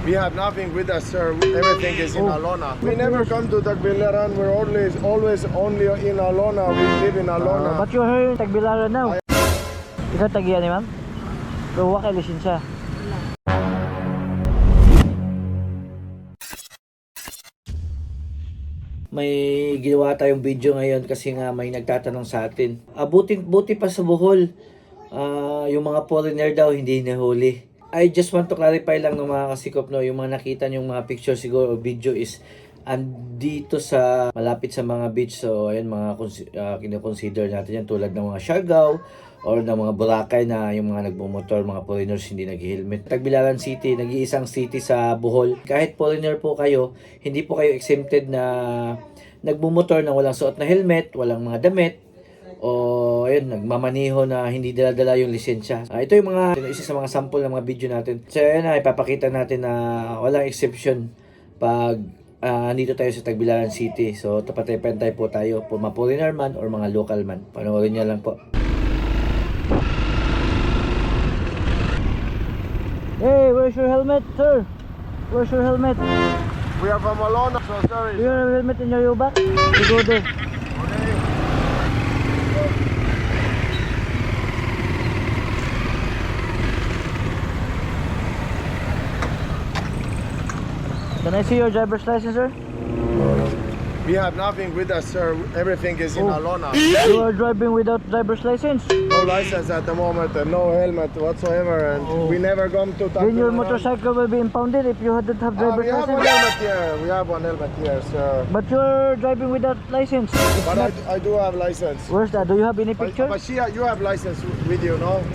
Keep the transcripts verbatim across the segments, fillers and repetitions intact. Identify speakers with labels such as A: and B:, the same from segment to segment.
A: We have nothing with us, sir. Everything is in
B: Oh.
A: Alona. We never come to Tagbilaran. We're always, always only in Alona. We live in
B: Uh,
A: Alona.
B: but you're here in Tagbilaran now. Ikaw tagiya ni ma'am? Pero wala kay lisensya. May ginawa tayong video ngayon kasi nga may nagtatanong sa atin. Ah, buti, buti pa sa Bohol, ah, yung mga foreigner daw hindi nahuli. I just want to clarify lang ng mga kasikop, no, yung mga nakita yung mga picture siguro o video is andito sa malapit sa mga beach. So ayun, mga uh, kinoconsider natin yan tulad ng mga Siargao or ng mga Boracay na yung mga nagmumotor, mga foreigners hindi nag-helmet. Tagbilaran City, nag-iisang city sa Bohol. Kahit foreigner po kayo, hindi po kayo exempted na nagmumotor na walang suot na helmet, walang mga damit, o ayun, nagmamaniho na hindi dala-dala yung lisensya. Uh, ito yung mga, isa sa mga sample ng mga video natin. So ayun na, ipapakita natin na walang exception pag uh, nandito tayo sa Tagbilaran City. So tapatay-pantay po tayo, po mga foreigner man or mga local man. Panoorin niya lang po. Hey, where's your helmet, sir? Where's your helmet?
A: We are from Alona, so sorry.
B: Do you have a helmet in your back? You go there.
A: Okay.
B: Can I see your driver's license, sir?
A: We have nothing with us, sir. Everything is in
B: Oh.
A: Alona.
B: You are driving without driver's license.
A: No license at the moment and no helmet whatsoever. And
B: Oh.
A: we never come to
B: Then your
A: Tagbilaran.
B: motorcycle will be impounded if you hadn't have
A: Ah,
B: driver's
A: we have one
B: license.
A: helmet here. We have one helmet here, sir.
B: But you're driving without license. It's
A: But
B: not-
A: I, I do have license.
B: Where's that? Do you have any
A: But,
B: picture?
A: but she, you have license with you, no?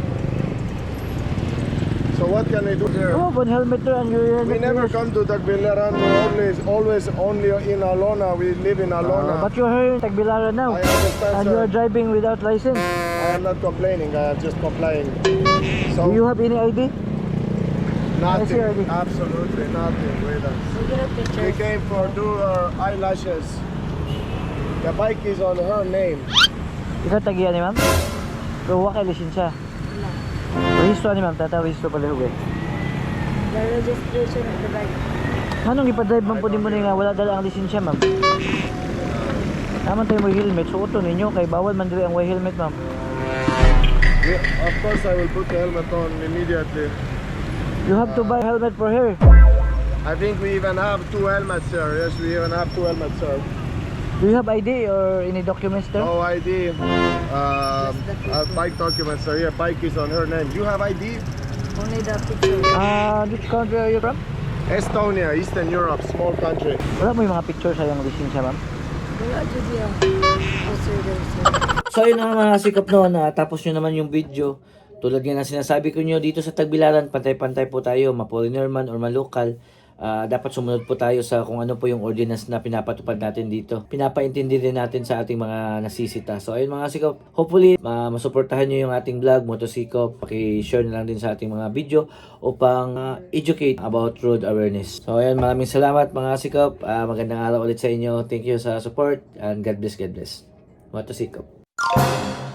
A: So what can I do here?
B: You have one helmet there and your helmet
A: We never
B: is-
A: come to Tagbilaran. We're always, always only in Alona. We live in
B: Uh,
A: Alona.
B: but you're here in Tagbilaran now.
A: I understand,
B: And
A: sir.
B: you are driving without license.
A: I am not complaining. I am just complying. So
B: Do you have any I D?
A: nothing,
B: I see already.
A: absolutely nothing with us.
C: We get a picture.
A: We came for do her eyelashes. The bike is on her name.
B: Ikaw tagiya ni ma'am? Pero wala kay lisensya.
C: Wala.
B: Rehistro ni ma'am, tata rehistro pala hugay.
C: The registration of the bike.
B: Anong ipadrive man po din mo nga wala dala ang lisensya, ma'am? Naman tayo may helmet, suoto ninyo kay bawal man diri ang way helmet, ma'am.
A: Yeah, of course, I will put the helmet on immediately.
B: You have to buy helmet for her.
A: I think we even have two helmets, sir. Yes, we even have two helmets, sir.
B: Do you have I D or any documents there?
A: No I D. Um, uh, bike documents are here. Bike is on her name. You have I D?
C: Only the picture.
B: Ah, which country are you from?
A: Estonia, Eastern Europe, small country.
B: Wala mo yung mga picture sa yung lisensya, ma'am?
C: Wala dyan yan. Oh, sir, there, sir.
B: So yun na mga sikap noon, na tapos nyo naman yung video. Tulad nga na sinasabi ko nyo, dito sa Tagbilaran, pantay-pantay po tayo, ma-foreigner man or ma-local. Uh, dapat sumunod po tayo sa kung ano po yung ordinance na pinapatupad natin dito. Pinapaintindi din natin sa ating mga nasisita. So ayun mga sikop, hopefully uh, masuportahan nyo yung ating vlog, Motosikop. Paki-share na lang din sa ating mga video upang uh, educate about road awareness. So ayun, maraming salamat mga sikop. Uh, magandang araw ulit sa inyo. Thank you sa support and God bless, God bless. Motosikop.